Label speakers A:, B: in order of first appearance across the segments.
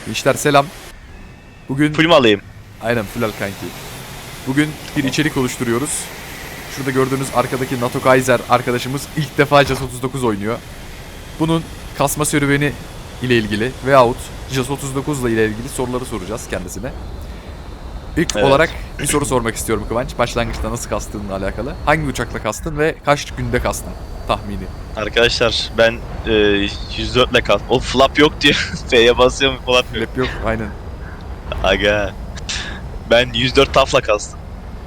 A: İşler selam. Bugün
B: Full mu alayım?
A: aynen full al kanki. Bugün bir içerik oluşturuyoruz. Şurada gördüğünüz arkadaki NATO Kaiser arkadaşımız ilk defa JAS 39 oynuyor. Bunun kasma serüveni ile ilgili veyahut JAS 39 ile ilgili soruları soracağız kendisine. İlk
B: Evet.
A: olarak bir soru sormak istiyorum Kıvanç. Başlangıçta nasıl kastığınla alakalı. Hangi uçakla kastın ve kaç günde kastın tahmini?
B: Arkadaşlar ben 104 ile kal. O flap yok diyor. F'ye basıyorum flap yok.
A: Lep yok aynen.
B: Aga. Ben 104 TAF'la kastım.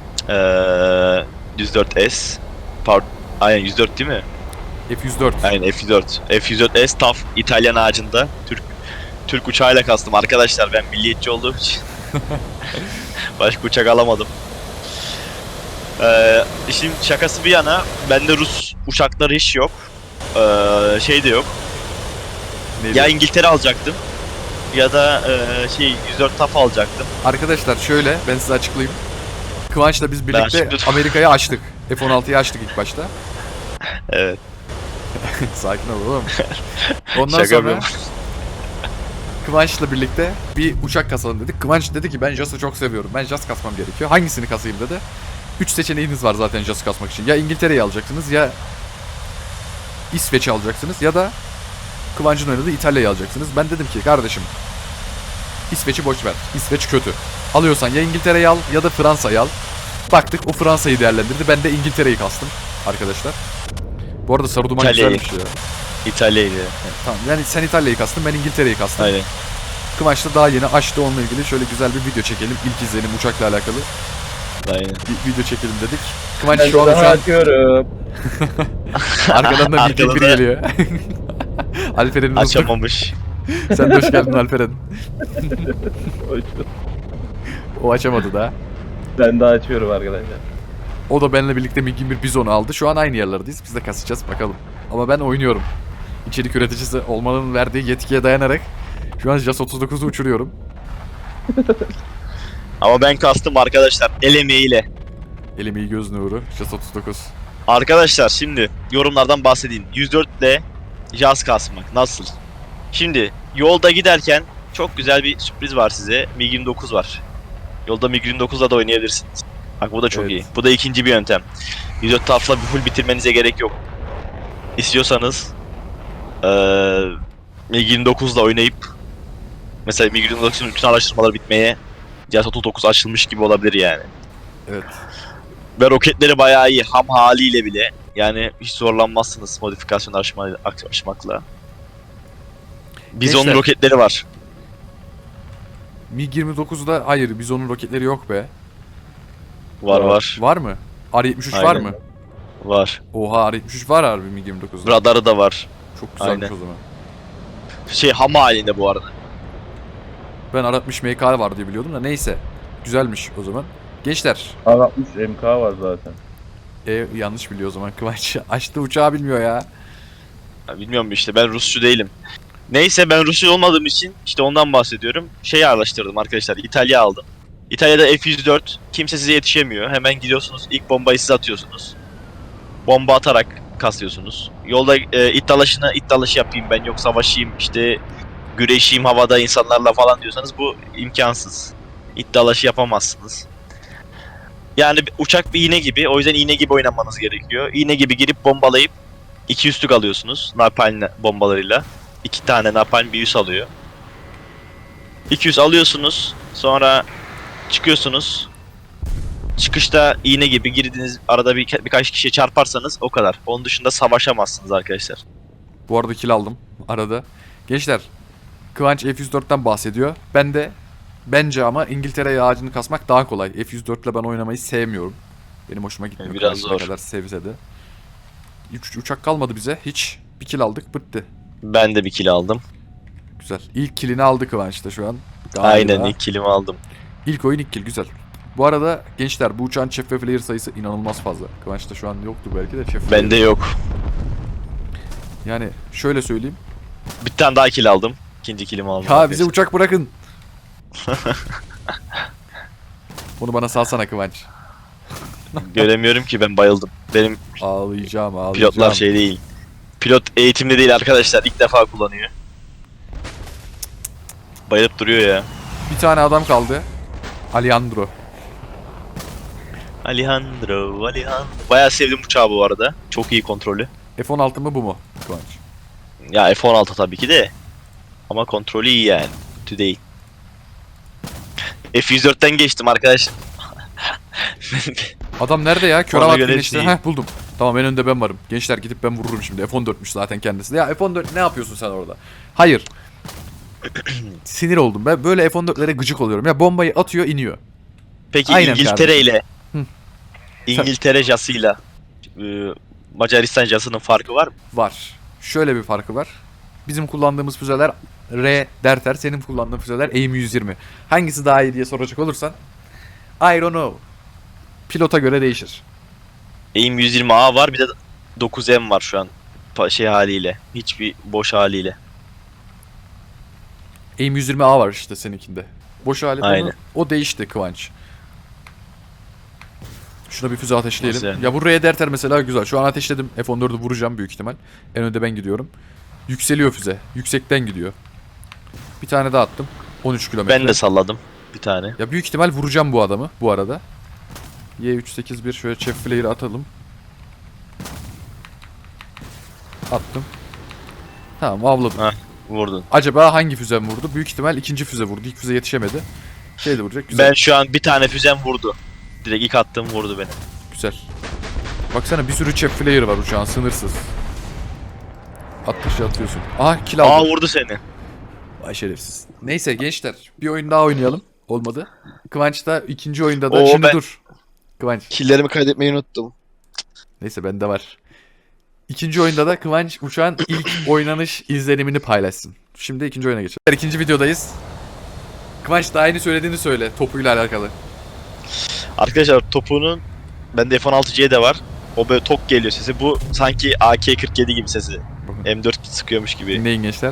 B: 104S. Aynen 104 değil mi?
A: F-104.
B: Aynen F104. F104S TAF İtalyan ağacında. Türk uçağıyla kastım. Arkadaşlar ben milliyetçi olduğum için. Başka uçak alamadım. Şimdi şakası bir yana bende Rus uçakları hiç yok. Şey de yok.
A: Neydi?
B: Ya İngiltere alacaktım ya da 104 TAF alacaktım.
A: Arkadaşlar şöyle ben size açıklayayım. Kıvanç'la biz birlikte
B: açıklayayım.
A: Amerika'yı açtık. F-16'yı açtık ilk başta.
B: Evet.
A: Sakin ol oğlum. Ondan
B: Şaka
A: sonra
B: yapıyorum.
A: Kıvanç'la birlikte bir uçak kasalım dedik. Kıvanç dedi ki ben JAS'ı çok seviyorum. Ben JAS kasmam gerekiyor. Hangisini kasayım dedi. 3 seçeneğiniz var zaten JAS kasmak için. Ya İngiltere'yi alacaksınız ya İsveç'i alacaksınız ya da Kıvanç'ın oynadığı İtalya'yı alacaksınız. Ben dedim ki kardeşim İsveç'i boş ver. İsveç kötü. Alıyorsan ya İngiltere'yi al ya da Fransa'yı al. Baktık o Fransa'yı değerlendirdi. Ben de İngiltere'yi kastım arkadaşlar. Bu arada sarı duman
B: İtalya'yı.
A: güzelmiş ya.
B: İtalya'ydı.
A: Evet, tamam yani sen İtalya'yı kastın ben İngiltere'yi kastım.
B: Aynen.
A: Kıvanç da daha yeni açtı onunla ilgili şöyle güzel bir video çekelim. İlk izlenim uçakla alakalı
B: Aynen.
A: bir video çekelim dedik. Kıvanç
C: Ben
A: şu an
C: açıyorum.
A: arkadan da bir
B: Arkada da-
A: geliyor. Alperen'in hızlı.
B: Açamamış.
A: Sen de hoş geldin Alperen. O açamadı da.
C: Ben de açıyorum arkadaşlar.
A: O da benimle birlikte MiG-21 Bizon'u aldı. Şu an aynı yerlerdeyiz. Biz de kasacağız bakalım. Ama ben oynuyorum. İçerik üreticisi olmanın verdiği yetkiye dayanarak şu an JAS 39'u uçuruyorum.
B: Ama ben kastım arkadaşlar el emeğiyle.
A: Elim iyi göz nuru. JAS 39.
B: Arkadaşlar şimdi yorumlardan bahsedeyim. 104 ile JAS kasmak nasıl? Şimdi yolda giderken çok güzel bir sürpriz var size. MiG-29 var. Yolda MiG-29'la da oynayabilirsiniz. Bak bu da çok
A: Evet.
B: iyi. Bu da ikinci bir yöntem. 104 TAF'la bir full bitirmenize gerek yok. İstiyorsanız MiG-29'la oynayıp mesela MiG-29'un bütün araştırmaları bitmeye JAS 39 açılmış gibi olabilir yani.
A: Evet.
B: Ve roketleri bayağı iyi ham haliyle bile. Yani hiç zorlanmazsınız modifikasyon aşmakla. Bizon'un
A: Gençler.
B: roketleri var.
A: MiG-29'da hayır Bizon'un roketleri yok be.
B: Var var.
A: Var mı? R-73 var
B: Aynen.
A: mı?
B: Var.
A: Oha R-73 var harbi MiG-29'da.
B: Radarı da var.
A: Çok güzelmiş
B: Aynen.
A: o zaman.
B: Ham halinde bu arada.
A: Ben R-60 MK var diye biliyordum da neyse. Güzelmiş o zaman. Gençler.
C: R60 MK var zaten.
A: Yanlış biliyor o zaman Kıvanç. Açtı uçağı bilmiyor ya.
B: Ya bilmiyorum işte ben Rusçu değilim. Neyse ben Rusçu olmadığım için işte ondan bahsediyorum. Araştırdım arkadaşlar. İtalya aldım. İtalya'da F-104 kimse size yetişemiyor. Hemen gidiyorsunuz ilk bombayı siz atıyorsunuz. Bomba atarak kasıyorsunuz. Yolda it dalaşı yapayım ben yok savaşayım işte güreşeyim havada insanlarla falan diyorsanız bu imkansız. İt dalaşı yapamazsınız. Yani uçak bir iğne gibi o yüzden iğne gibi oynamanız gerekiyor. İğne gibi girip bombalayıp 2 üstlük alıyorsunuz napalm bombalarıyla. 2 tane napalm bir üs alıyor. 200 alıyorsunuz sonra çıkıyorsunuz. Çıkışta iğne gibi girdiğiniz arada birkaç kişiye çarparsanız o kadar. Onun dışında savaşamazsınız arkadaşlar.
A: Bu arada kill aldım arada. Gençler. Kıvanç F-104'ten bahsediyor. Ben de bence ama İngiltere ağacını kasmak daha kolay. F-104 ile ben oynamayı sevmiyorum. Benim hoşuma gitmiyor.
B: Biraz
A: Kıvanç ne
B: zor.
A: kadar sevse de. Uçak kalmadı bize hiç. Bir kill aldık bitti.
B: Ben de bir kill aldım.
A: Güzel. İlk killini aldı Kıvanç da şu an. Galiba.
B: Aynen ilk killimi aldım.
A: İlk oyun ilk kill güzel. Bu arada gençler bu uçağın chef ve flare sayısı inanılmaz fazla. Kıvanç'ta şu an yoktu belki de chef.
B: Bende yok.
A: Yani şöyle söyleyeyim.
B: Bir tane daha kill aldım. İkinci killimi aldım.
A: Ya
B: arkadaşlar.
A: bize uçak bırakın. Bunu bana salsana Kıvanç.
B: Göremiyorum ki ben bayıldım. Benim
A: Ağlayacağım.
B: pilotlar şey değil. Pilot eğitimli değil arkadaşlar. İlk defa kullanıyor. Bayılıp duruyor ya.
A: Bir tane adam kaldı. Alejandro.
B: Alejandro. Bayağı sevdim uçağı bu arada. Çok iyi kontrolü.
A: F-16 mı bu mu Kıvanç?
B: Ya F-16 tabii ki de. Ama kontrolü iyi yani. Kötü değil. F-104'ten geçtim arkadaş.
A: Adam nerede ya? Kör
B: Ona
A: avat
B: göre
A: güneşte.
B: değil.
A: Heh buldum. Tamam en önde ben varım. Gençler gidip ben vururum şimdi. F-14'müş zaten kendisi. Ya F-14 ne yapıyorsun sen orada? Hayır. Sinir oldum. Ben böyle F-14'lere gıcık oluyorum. Ya bombayı atıyor iniyor.
B: Peki
A: Aynen
B: İngiltere
A: kardeşim.
B: ile
A: Hı.
B: İngiltere JAS'ıyla Macaristan JAS'ının farkı var mı?
A: Var. Şöyle bir farkı var. Bizim kullandığımız füzeler R derter. Senin kullandığın füzeler AIM-120. Hangisi daha iyi diye soracak olursan I don't know. Pilota göre değişir.
B: AIM 120A var, bir de 9M var şu an şey haliyle. Hiçbir boş haliyle.
A: AIM-120A var işte seninkinde. Boş alet onu,
B: Aynen.
A: o değişti Kıvanç. Şuna bir füze ateşleyelim.
B: Nasıl yani?
A: Ya bu R derter mesela güzel. Şu an ateşledim. F-14'ü vuracağım büyük ihtimal. En önde ben gidiyorum. Yükseliyor füze. Yüksekten gidiyor. Bir tane daha attım. 13 kilometre.
B: Ben de salladım bir tane.
A: Ya büyük ihtimal vuracağım bu adamı bu arada. Y381 şöyle chef flare'ı atalım. Attım. Tamam avladım.
B: Ha. Vurdun.
A: Acaba hangi füze vurdu? Büyük ihtimal ikinci füze vurdu. İlk füze yetişemedi. Şey de vuracak. Güzel.
B: Ben şu an bir tane füzem vurdu. Direkt ilk attığım vurdu beni.
A: Güzel. Baksana bir sürü chef flare var uçağın sınırsız. Attıkça atıyorsun. Aha kill
B: Aa
A: aldım.
B: vurdu seni.
A: Vay şerefsiz. Neyse gençler bir oyun daha oynayalım. Olmadı. Kıvanç da ikinci oyunda da.
B: Oo,
A: Şimdi
B: ben-
A: dur. Kıvanç.
D: Killerimi kaydetmeyi unuttum.
A: Neyse bende var. İkinci oyunda da Kıvanç uçağın ilk oynanış izlenimini paylaşsın. Şimdi ikinci oyuna geçelim. İkinci videodayız. Kıvanç daha yeni söylediğini söyle topuyla alakalı.
B: Arkadaşlar topuğunun bende F-16C de var. O böyle tok geliyor sesi. Bu sanki AK-47 gibi sesi. M4 sıkıyormuş gibi.
A: Dinleyin gençler.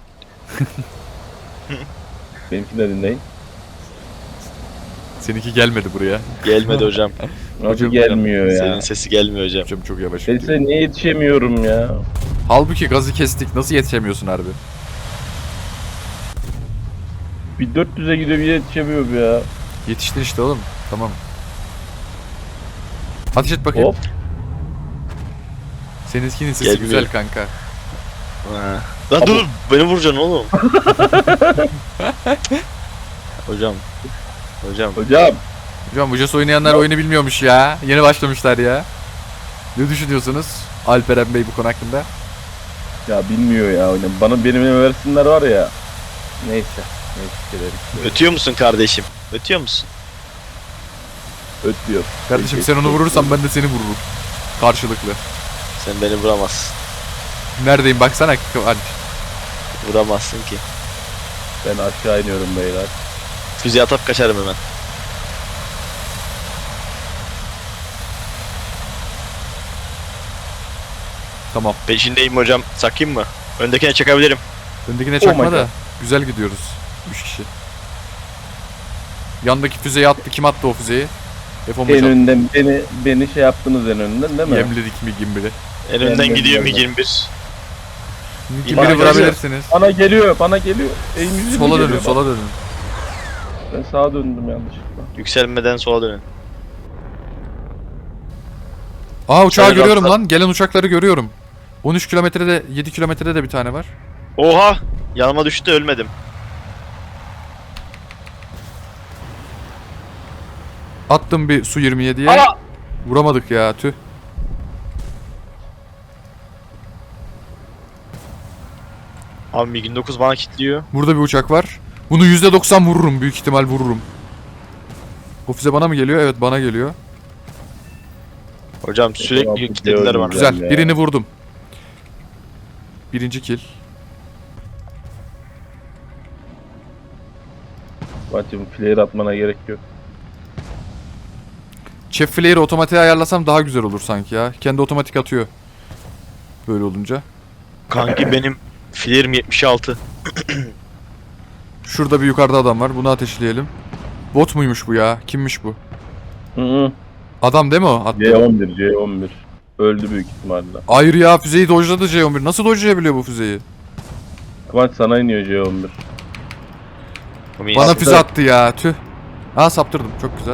C: Benimkini de dinleyin.
A: Seninki gelmedi buraya.
B: Gelmedi hocam.
C: Nasıl
A: Hocam,
C: gelmiyor ya?
B: Senin sesi gelmiyor hocam.
A: Hocam çok yavaş
C: Ben
A: gidiyor.
C: size niye yetişemiyorum ya?
A: Halbuki gazı kestik. Nasıl yetişemiyorsun harbi?
C: Bir 400'e gidiyor bir yetişemiyorum ya.
A: Yetiştin işte oğlum. Tamam. Ateş et bakayım.
C: Hop.
A: Seninkinin sesi
B: Gelmiyor.
A: güzel kanka.
B: Ha. Lan dur beni vuracaksın oğlum. Hocam. Hocam.
C: Hocam.
A: Hocam bu JAS oynayanlar oyunu bilmiyormuş ya. Yeni başlamışlar ya. Ne düşünüyorsunuz Alperen Bey bu konu hakkında?
C: Ya bilmiyor ya oyunu. Benim versinler var ya. Neyse. Neyse.
B: Ötüyor musun kardeşim? Ötüyor musun?
C: Ötüyor.
A: Kardeşim sen onu vurursan ben de seni vururum. Karşılıklı.
B: Sen beni vuramazsın.
A: Neredeyim baksana Kıvanç.
B: Vuramazsın ki.
C: Ben aşağı iniyorum beyler.
B: Füze atıp kaçarım hemen.
A: Tamam.
B: Peşindeyim hocam. Sakayım mı? Öndekine çakabilirim.
A: Öndekine
C: Oh
A: çakma
C: my
A: da
C: God.
A: güzel gidiyoruz. 3 kişi. Yandaki füzeyi attı. Kim attı o füzeyi? F-15
C: En
A: attı.
C: önden beni şey yaptınız en önden değil mi?
A: Yemledik mi gimbiri?
B: En önden
C: Ben
B: gidiyor
C: gelmem.
B: MiG-21.
A: Gimbiri
C: Bana
A: vurabilirsiniz.
C: Bana geliyor. Eğim
A: Sola dönün, sola dönün.
C: Ben sağa döndüm yanlışlıkla.
B: Yükselmeden sola dönün.
A: Aa uçağı
B: Şöyle
A: görüyorum
B: atla.
A: lan. Gelen uçakları görüyorum. 13 kilometrede, 7 kilometrede de bir tane var.
B: Oha! Yanıma düştü de ölmedim.
A: Attım bir Su 27'ye.
B: Aa!
A: Vuramadık ya tüh.
B: Abi MiG-29 bana kilitliyor.
A: Burada bir uçak var. Bunu %90 vururum. Büyük ihtimal vururum. O füze bana mı geliyor? Evet bana geliyor.
B: Hocam sürekli
C: F-16
B: kilitlediler bana.
C: Güzel.
A: Güzel.
C: ya.
A: Birini vurdum. Birinci kill.
C: Bacım flare atmana gerek yok.
A: Chef Flare'ı otomatiğe ayarlasam daha güzel olur sanki ya. Kendi otomatik atıyor. Böyle olunca.
B: Kanki benim filerim 76.
A: Şurada bir yukarıda adam var. Bunu ateşleyelim. Bot muymuş bu ya? Kimmiş bu?
C: Hı.
A: Adam değil mi o? Attı.
C: C11. Öldü büyük ihtimalle.
A: Hayır ya füzeyi dojladı C11. Nasıl dojlayabiliyor bu füzeyi?
C: Kıvanç sana iniyor C11.
A: Bana füze attı ya. Tüh. Ha saptırdım. Çok güzel.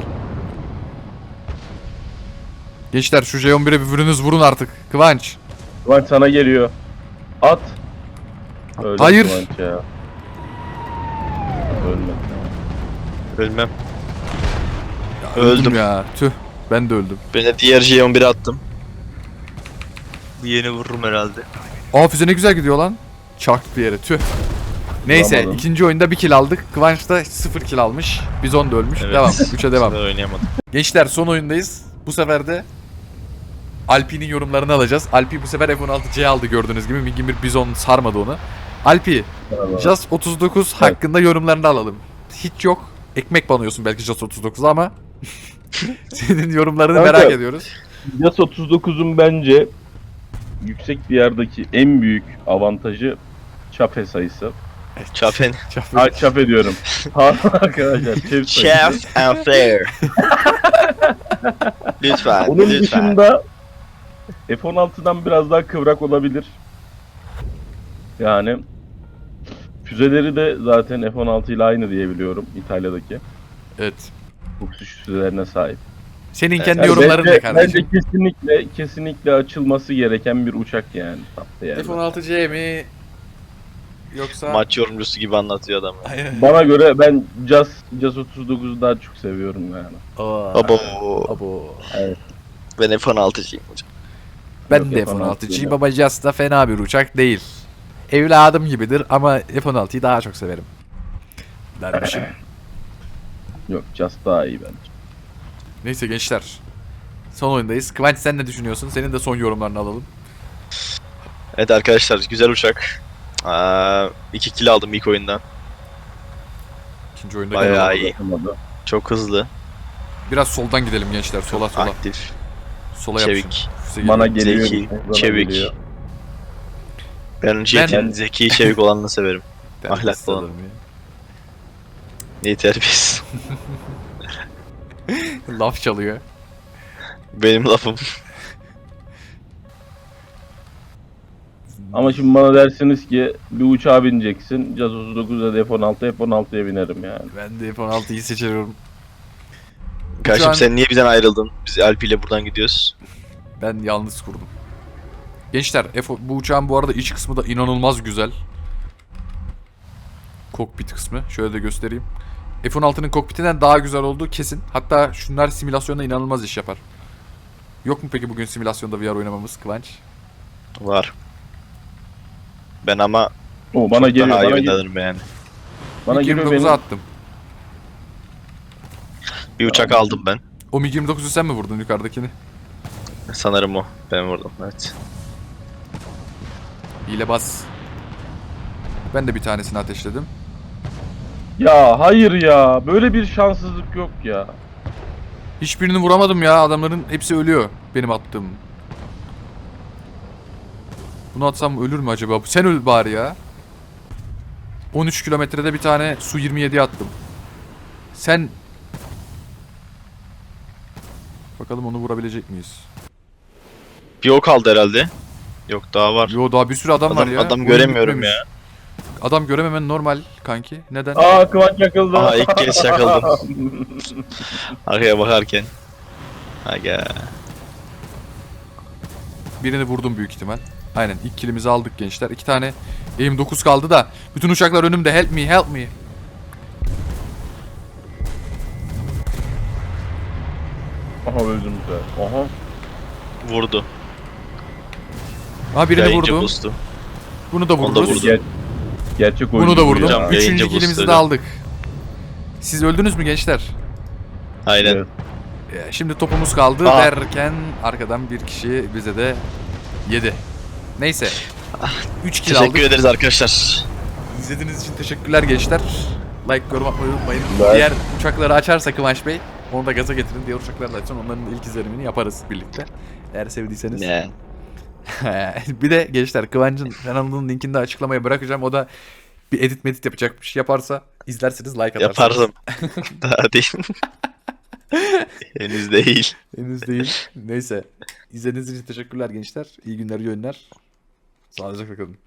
A: Gençler şu J11'e bir vurun artık. Kıvanç.
C: Kıvanç sana geliyor. At. Öldü
A: Hayır.
C: Kıvanç ya. Ölmedi.
B: Ölmem.
A: Öldüm
B: Öldüm.
A: ya. Tüh. Ben de öldüm.
B: Ben de diğer J11'e attım. Bu yeni vururum herhalde.
A: Aa füze ne güzel gidiyor lan. Çaktı bir yere. Tüh. Neyse
C: Vuramadım.
A: ikinci oyunda 1 kill aldık. Kıvanç da 0 kill almış. Bizon da ölmüş.
B: Evet.
A: Devam. 3'e devam.
B: Ben oynayamadım.
A: Gençler son oyundayız. Bu sefer de Alpi'nin yorumlarını alacağız. Alpi bu sefer F-16C aldı gördüğünüz gibi. Mingin bir Bizon sarmadı onu. Alpi, Just 39 hakkında yorumlarını alalım. Hiç yok. Ekmek banıyorsun belki Just 39'a ama senin yorumlarını
C: Kanka.
A: merak ediyoruz.
C: Yas 39'un bence yüksek bir yerdeki en büyük avantajı çape sayısı.
B: Chafen.
C: Ha, çape diyorum. Pardon arkadaşlar. Çep sayısı.
B: Chef and fair. Lütfen.
C: Onun
B: lütfen.
C: dışında F-16'dan biraz daha kıvrak olabilir. Yani füzeleri de zaten F-16 ile aynı diye biliyorum İtalya'daki.
A: Evet.
C: Bu füzelerine sahip.
A: Senin kendi
C: Yani
A: yorumların ne
C: bence
A: kardeşim?
C: kesinlikle açılması gereken bir uçak yani. Tatlı yani.
A: F-16C mi? Yoksa...
B: Maç yorumcusu gibi anlatıyor adam.
A: Aynen.
C: Bana göre ben Jazz 39'u daha çok seviyorum yani.
B: Abo.
A: Abo.
B: Ben F-16'cıyım hocam.
A: Ben
C: Yok,
A: de
C: F-16
A: F-16'cıyım ama Just da fena bir uçak değil. Evladım gibidir ama F-16'yı daha çok severim. Dermişim.
C: Yok Jazz daha iyi bence.
A: Neyse gençler. Son oyundayız. Kıvanç sen ne düşünüyorsun? Senin de son yorumlarını alalım.
B: Evet arkadaşlar güzel uçak. 2 kill aldım ilk oyundan.
A: İkinci oyunda
B: Bayağı
A: gelelim.
B: iyi.
C: Olmadı.
B: Çok hızlı,
A: Biraz soldan gidelim gençler. Sola.
B: aktif,
A: Sola yapışın.
B: çevik.
A: Füze
C: Bana
A: geliyor.
C: geliyor.
B: Zeki,
C: bana
B: çevik.
C: geliyor.
B: Ben Jet'in zeki, çevik olanını severim.
A: Terbiyesiz
B: ahlaklı olan.
A: adamım ya.
B: İyi terbiyesiz.
A: Laf çalıyor.
B: Benim lafım.
C: Ama şimdi bana dersiniz ki bir uçağa bineceksin. Jazz 39'da da F-16'ya binerim yani.
A: Ben de F-16'yı seçiyorum.
B: Kardeşim
A: an-
B: sen niye bizden ayrıldın? Biz Alpi ile buradan gidiyoruz.
A: Ben yalnız kurdum. Gençler bu uçağın bu arada iç kısmı da inanılmaz güzel. Kokpit kısmı. Şöyle de göstereyim. F-16'nın kokpitinden daha güzel olduğu kesin. Hatta şunlar simülasyonda inanılmaz iş yapar. Yok mu peki bugün simülasyonda VR oynamamız Kıvanç?
B: Var. Ben ama
C: O bana geliyor.
B: daha iyi
C: Bana geliyor.
B: oynanırım yani.
C: Bana
A: MiG
C: geliyor
A: 29'u
C: benim.
A: attım.
B: Bir uçak aldım ben.
A: O MiG 29'u sen mi vurdun yukarıdakini?
B: Sanırım o. Ben vurdum. Evet.
A: Hile bas. Ben de bir tanesini ateşledim.
C: Ya hayır ya. Böyle bir şanssızlık yok ya.
A: Hiçbirini vuramadım ya. Adamların hepsi ölüyor. Benim attığım. Bunu atsam ölür mü acaba? Sen öl bari ya. 13 kilometrede bir tane Su-27'ye attım. Sen... Bakalım onu vurabilecek miyiz?
B: Bir o kaldı herhalde. Yok daha var.
A: Yo daha bir sürü adam var ya.
B: Adam
A: Oyun
B: göremiyorum
A: bitmemiş.
B: ya.
A: Adam görememen normal kanki. Neden?
C: Aa Kıvanç yakıldı.
B: Aha ilk kez yakaladım. Arkaya bakarken. Aga.
A: Birini vurdum büyük ihtimal. Aynen ilk killimizi aldık gençler. 2 tane aim 9 kaldı da. Bütün uçaklar önümde. Help me, help me.
C: Aha öldüm de. Aha.
B: Vurdu.
A: Ha birini
B: Yayıncı
A: vurdum.
B: boost'u.
A: Bunu da
B: Onu da
A: vururuz.
B: vurdu.
C: Gerçek oyuncu.
A: Bunu da
C: bu
A: vurdum.
C: ya.
B: Hocam, yayıncı
A: Üçüncü
B: boost
A: killimizi de
B: öyle.
A: aldık. Siz öldünüz mü gençler?
B: Aynen.
C: Evet.
A: Şimdi topumuz kaldı
B: Aa.
A: derken arkadan bir kişi bize de yedi. Neyse. 3 kill
B: Teşekkür
A: aldık.
B: ederiz arkadaşlar.
A: İzlediğiniz için teşekkürler gençler. Like, yorum atmayı unutmayın.
C: Ben-
A: Diğer uçakları açarsa Kıvanç Bey onu da gaza getirin. Diğer uçakları da açın. Onların ilk izlenimini yaparız birlikte. Eğer sevdiyseniz.
B: Ne?
A: Bir de gençler Kıvanç'ın kanalının linkini de açıklamaya bırakacağım. O da bir edit medit yapacak bir şey yaparsa izlerseniz like atarsınız.
B: Yaparım. Daha değil. Henüz değil.
A: Henüz değil. Neyse. İzlediğiniz için teşekkürler gençler. İyi günler, iyi oyunlar. Sağlıcakla kalın.